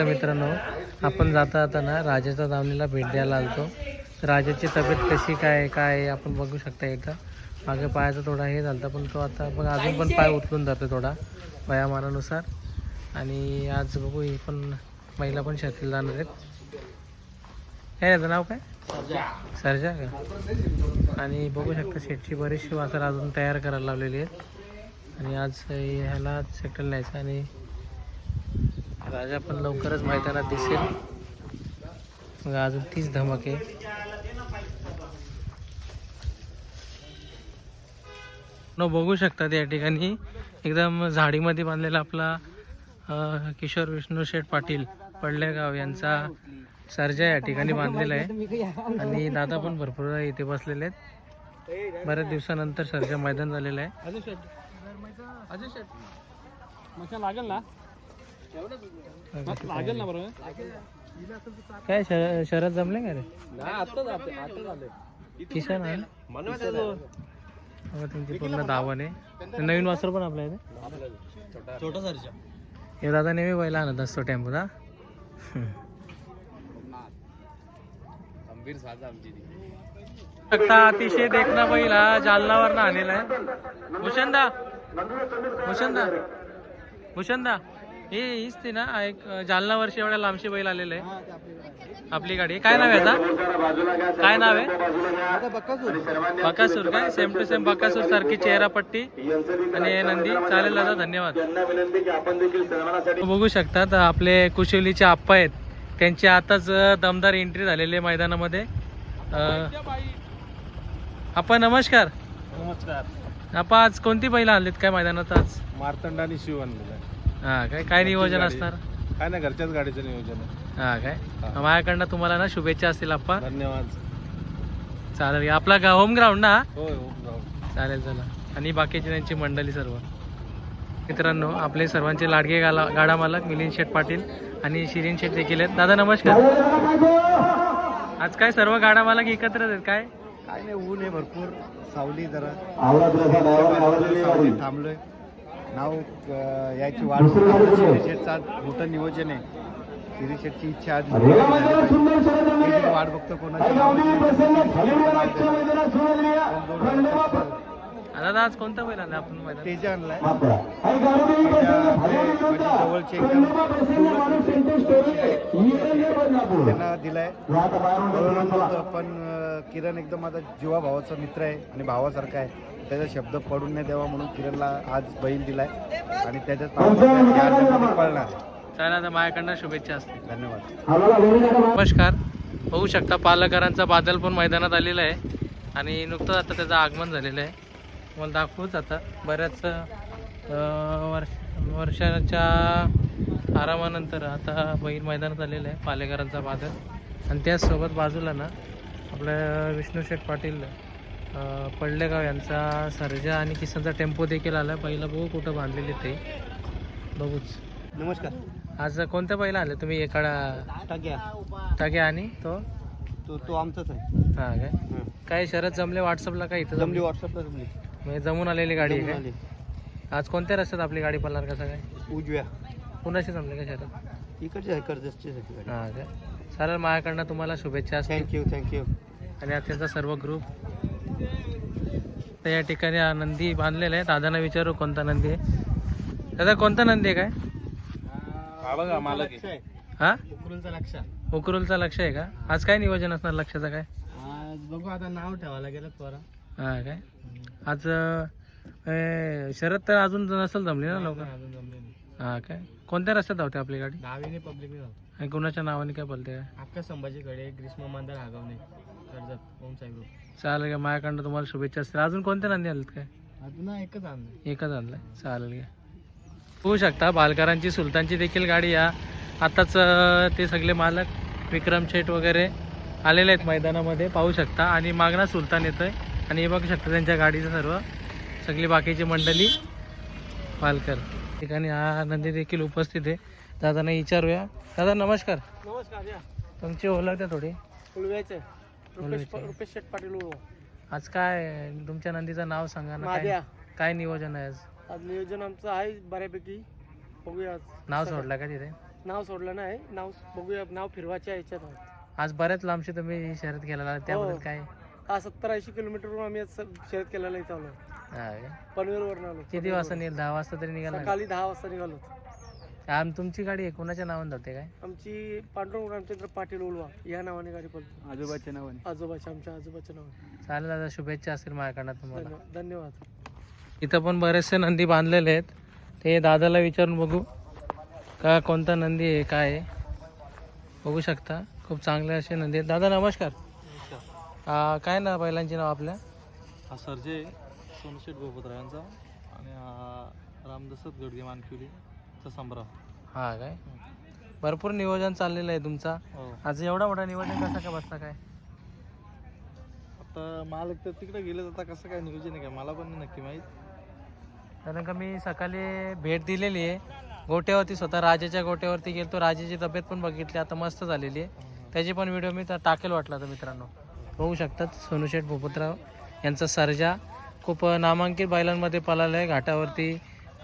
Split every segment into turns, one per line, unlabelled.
मित्रांनो, आपण जाता ना राजाच्या दावणीला भेट द्यायला आलतो. राजाची तब्येत कशी काय आपण बघू शकता. इथं मागे पायाचा थोडा हे झाला पण तो आता बघ अजून पण पाय उचलून जातो थोडा वयामानानुसार. आणि आज बघू ही पण महिला पण शेतीला जाणार आहेत. काय याचं नाव काय? सर्जा का? आणि बघू शकता शेटची बरीचशी वासर अजून तयार करायला लावलेली आहेत. आणि आज ह्याला सेटल न्यायचं आणि राजा पण लवकरच मैदानात दिसेल. मग अजून तीच धमक आहे. बघू शकतात या ठिकाणी एकदम झाडीमध्ये बांधलेला आपला किशोर विष्णू शेठ पाटील पडलेगाव यांचा सर्जा या ठिकाणी बांधलेला आहे. आणि दादा पण भरपूर इथे बसलेले आहेत. बऱ्याच दिवसानंतर सर्जा मैदान झालेलं आहे.
लागेल ना बरोबर.
काय शरद जमले का रे? किशन आहे तुमची पूर्ण धावण आहे. नवीन वासर पण आपल्या इथे
छोटा सर्जा
हे दादा नेहमी बैला आणत असतो टेम्पोत. अतिशय देखना बैल हा जालनावर आणलेला आहे. भूषणदा हे हीच ते ना एक जालना वर्षी एवढ्या लांबशी बैल आलेलं आहे आपली गाडी. काय नाव आहे आता? काय नाव आहे? बकासूर. काय सेम टू सेम बकासूर सारखी चेहरा पट्टी आणि नंदी. चालेल दादा, धन्यवाद. बघू शकतात आपले कुशिवलीचे आप्पा आहेत. त्यांची आताच दमदार एंट्री झालेली आहे मैदानामध्ये. आप्पा नमस्कार.
नमस्कार.
आप्पा आज कोणती बैल आणलीत काय मैदानात आज?
मार्तंड आणि शिव आणलेला आहे.
हा काय नियोजन असणार?
काय नाही, घरच्याच गाडीचं नियोजन आहे.
हा काय माझ्याकडनं तुम्हाला ना शुभेच्छा असतील आप्पा.
धन्यवाद.
चालेल. आपला होम ग्राउंड ना?
होय.
चालेल चला. आणि बाकीची त्यांची मंडळी सर्व मित्रांनो, आपले सर्वांचे लाडके गाडा मालक मिलिंद शेठ पाटील आणि शिरीन शेठ देखील आहेत. दादा नमस्कार. आज काय सर्व गाडा मालक एकत्रच आहेत काय?
काय नाही, ऊन आहे भरपूर, सावली जरा थांबलोय. नाव याची वाढ शेठचा मोठं नियोजन आहे. शिरी शेठची इच्छा आज वाढ बघतो कोणाची.
दादा आज कोणता बैल आणला आपण मैदान?
तेजा आणलाय. जवळचे त्यांना दिलाय पण किरण एकदम माझा जीवा भावाचा मित्र आहे आणि भावासारखा आहे. त्याचा शब्द पडून नाही द्यावा म्हणून किरणला आज बैल दिलाय आणि त्याच्यात पळणार.
चालेल आता माझ्याकडनं शुभेच्छा असतील.
धन्यवाद.
नमस्कार. बघू शकता पालकरांचा बादल पण मैदानात आलेला आहे आणि नुकतंच आता त्याचं आगमन झालेलं आहे. मला दाखवूच आता बऱ्याच वर्षाच्या आरामानंतर आता बैल मैदानात आलेलं आहे पालेकरांचा बादल. आणि त्याचसोबत बाजूला ना आपल्या विष्णू शेठ पाटील पडलेगाव यांचा सर्जा आणि किसनचा टेम्पो देखील आला. पहिला बघू कुठं बांधलेले ते बघूच.
नमस्कार.
आज कोणत्या बैला आले तुम्ही? एकाडा टाक्या आणि
तो आमचाच आहे.
हा काय शरद जमले व्हॉट्सअपला? काय इथं
जमली व्हॉट्सअपला जमली.
म्हणजे जमून आलेली गाडी आहे काय? आज कोणत्या रस्त्यात आपली गाडी पडणार कसं काय?
उजव्या.
कुणाशी जमले का शरद?
इकडचे आहे कर्जतचे.
हां काय चालेल. माझ्याकडनं तुम्हाला शुभेच्छा असतील.
थँक्यू.
आणि आज त्यांचा सर्व ग्रुप तर या ठिकाणी नंदी बांधलेला आहे. दादांना विचारू कोणता नंदी आहे. दादा कोणता नंदी आहे काय?
बघा मालक आहे.
हा
उकरुलचा
लक्ष आहे का? आज काय नियोजन असणार लक्षाचं काय?
आज बघू, आता नाव ठेवायला गेलं पोरा.
हा काय आज शरद तर अजून नसेल जमली ना लवकर?
अजून जमले नाही.
हा काय कोणत्या रस्त्यात धावते आपली गाडी?
दहावीने पब्लिकने जातो.
आणि कोणाच्या नावाने काय बोलते काय?
अक्का संभाजीकडे ग्रीष्म मंदार हागवणे कर्जत ओम साई ग्रुप.
चालेल का माझ्याकडनं तुम्हाला शुभेच्छा असतील. अजून कोणत्या नंदी आलेत काय?
अजून एकच आणलं.
एकच आणलाय. चालेल का. होऊ शकता बालकरांची सुलतानची देखील गाडी या आताच ते सगळे मालक विक्रम शेठ वगैरे आलेले आहेत मैदानामध्ये पाहू शकता. आणि मागणा सुलतान येतोय आणि हे बघू शकता त्यांच्या गाडीचं सर्व सगळी बाकीची मंडळी पालकर ठिकाणी हा नंदी देखील उपस्थित आहे. दादांना विचारूया. दादा नमस्कार.
या.
तुमची ओळख द्या थोडी.
रुपेश शेठ पाटील.
आज काय तुमच्या नंदीचं नाव सांगा ना. काय नियोजन आहे आज?
आज नियोजन आमचं आहे बऱ्यापैकी. बघूया.
नाव सोडलं का तिथे?
नाव सोडलं नाही, नाव बघूया, नाव फिरवायच्या याच्यात आहोत.
आज बऱ्याच लांबची तुम्ही शर्यत केलेला त्याबद्दल काय?
हा 70-80 किलोमीटरवरून आम्ही आज शर्यत केलेला इथं आलो.
हा काय?
पनवेलवरून आलो.
किती वाजता निघाल? 10 वाजता तरी निघाला का?
सकाळी 10 वाजता निघालो.
तुमची गाडी आहे कोणाच्या नावाने जाते काय?
आमची पांडुरंग रामचंद्र पाटील उलवा या नावाने गाडी पडतो.
आजोबाच्या नावाने.
आमच्या आजोबाच्या नावाने.
चालेल दादा, शुभेच्छा असतील माझ्याकडनं तुम्हाला.
धन्यवाद.
इथं पण बरेचसे नंदी बांधलेले आहेत, ते दादाला विचारून बघू का कोणता नंदी आहे काय आहे. बघू शकता खूप चांगले असे नंदी आहेत. दादा नमस्कार. काय ना बैलांची नाव आपल्या?
हा सर्जे सोनशेठ गोपतरायांचा आणि हा रामदसत गडगे मानकिवलीचा संभ्रम.
हा काय? भरपूर नियोजन चाललेलं आहे तुमचा.
हो.
आज एवढा मोठा नियोजन कसा काय बसता काय?
आता मालक तर तिकडे गेले, आता कसं काय नियोजन आहे काय मला पण नाही नक्की माहीत.
कारण का मी सकाळी भेट दिलेली आहे गोट्यावरती, स्वतः राजाच्या गोट्यावरती गेलो. राजाची तब्येत पण बघितली, आता मस्त झालेली आहे. त्याची पण व्हिडिओ मी टाकेल वाटला तर मित्रांनो. बघू शकतात सोनूशेठ भूपतराव यांचा सर्जा खूप नामांकित बैलांमध्ये पळाला आहे. घाटावरती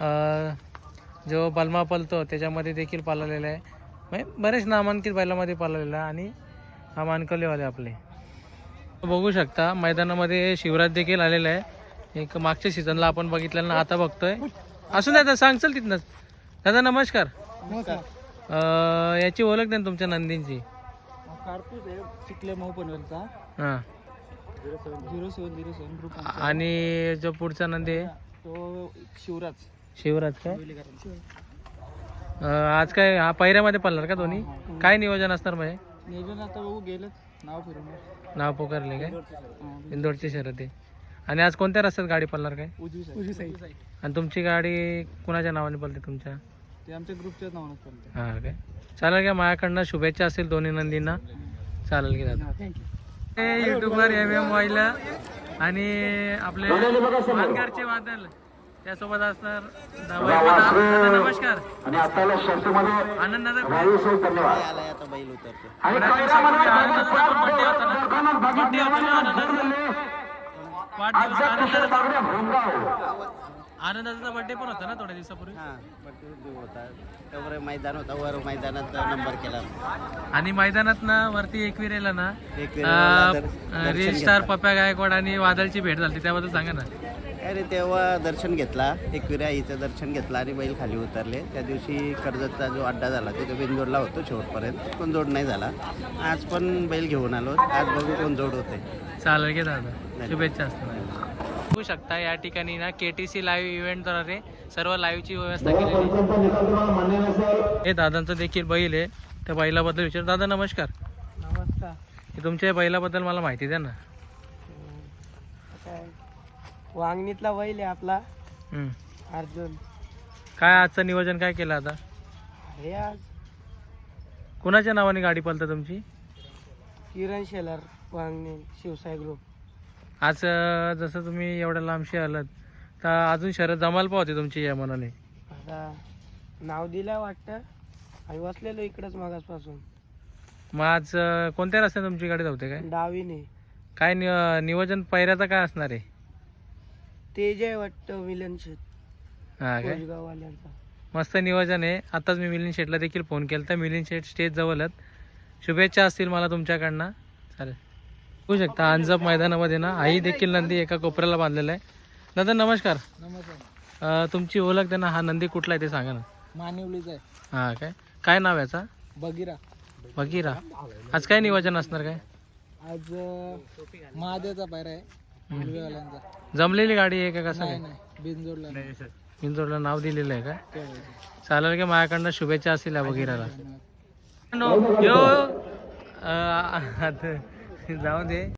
जो बलमा पळतो त्याच्यामध्ये देखील पळालेला आहे. म्हणजे बरेच नामांकित बैलामध्ये पळालेला आहे. आणि हा मानकलेवाले आपले बघू शकता मैदानामध्ये शिवराज देखील आलेला आहे. एक मागच्या सीझनला आपण बघितलेलं ना, आता बघतोय. असून दादा सांग चल तिथनंच. दादा नमस्कार. याची ओळख द्या ना तुमच्या नंदींची.
कारपूस आहे, चिखले मऊ पनवेलचा.
हां.
0707 ग्रुप.
आणि जो पुढचा नंदी आहे
तो शिवराज.
शिवराज काय? आज काय हा पहिऱ्यामध्ये पडणार का दोन्ही? काय नियोजन असणार मग?
नियोजन आता बघू, गेलं नाव फिरून.
नाव पुकारले काय? इंदोरची शर्यत आहे. आणि आज कोणत्या रस्त्यात गाडी पडणार काय?
उजवी साईड.
आणि तुमची गाडी कुणाच्या नावाने पडते तुमच्या?
ते आमच्या ग्रुपच्याच नावानं चालते.
हां काय? चालेल का? माझ्याकडनं शुभेच्छा असेल दोन्ही नंदींना. चालेल की दादा.
थँक्यू.
युट्यूबर MM वाईला आणि आपले मानकरचे वादल त्यासोबत असणार. दादा नमस्कार. आनंदाचा बड्डे होता ना, बड्डे होता ना आनंदाचा बड्डे पण होता ना थोड्या दिवसापूर्वी.
होता मैदान होता, वर मैदानात नंबर केला.
आणि मैदानात ना वरती एकविरेला ना
एकविरेला
रील स्टार पप्या गायकवाड आणि वादळची भेट झाली, त्याबद्दल सांगा ना.
अरे तेव्हा दर्शन घेतला, एकविरा आईचं दर्शन घेतला आणि बैल खाली उतरले. त्या दिवशी कर्जतचा जो अड्डा झाला तिथे बिनजोडला होतो शेवटपर्यंत, पण जोड नाही झाला. आज पण बैल घेऊन आलो, आज बघू कोण जोड होते.
चालेल की दादा, शुभेच्छा असतात. बघू शकता या ठिकाणी ना KTC लाईव्ह इव्हेंटद्वारे सर्व लाईव्हची व्यवस्था केलेली आहे. हे दादांचं देखील बैल आहे, त्या बैलाबद्दल विचार. दादा नमस्कार.
नमस्कार.
हे तुमच्या बैलाबद्दल मला माहिती द्या ना.
काय वांगणीतला बैल आहे आपला
हम्म.
अर्जुन.
काय आजचं नियोजन काय केलं आता?
हे आज
कुणाच्या नावाने गाडी पळतं तुमची?
किरण शेलार वांगणी शिवसाई ग्रुप.
आज जसं तुम्ही एवढ्या लांबशी आलात तर अजून शर्यत जमायला पावते तुमची या मनाने.
आता नाव दिलं वाटतं, आणि बसलेलो इकडंच मागासपासून.
मग आज कोणत्या रस्त्याने तुमची गाडी धावते काय?
डावीने.
काय नियोजन पैऱ्याचं काय असणार आहे?
ते जे वाटतं मिलन शेठ
हां काय?
कोजगाववाल्यांचा.
मस्त नियोजन आहे. आताच मी मिलिंद शेठला देखील फोन केला तर मिलिंद शेठ स्टेज जवळच. शुभेच्छा असतील मला तुमच्याकडनं. चालेल. बघू शकता अंजप मैदानामध्ये ना आई देखील नंदी एका कोपऱ्याला बांधलेला आहे. दादा नमस्कार.
नमस्कार.
तुमची ओळख द्या ना, हा नंदी कुठला आहे ते सांगा ना.
मानिवलीचा आहे.
हां काय? काय नाव याचा?
बगिरा.
बघिरा. आज काय नियोजन असणार काय?
आज महादेवचा पायरा आहे मुलगीवाल्यांचा.
जमलेली गाडी आहे का कसं काय?
बिनजोडला.
इंदोरला नाव दिलेलं आहे का? चालेल का? माझ्याकडनं शुभेच्छा असतील या बघिराला. जाऊ दे.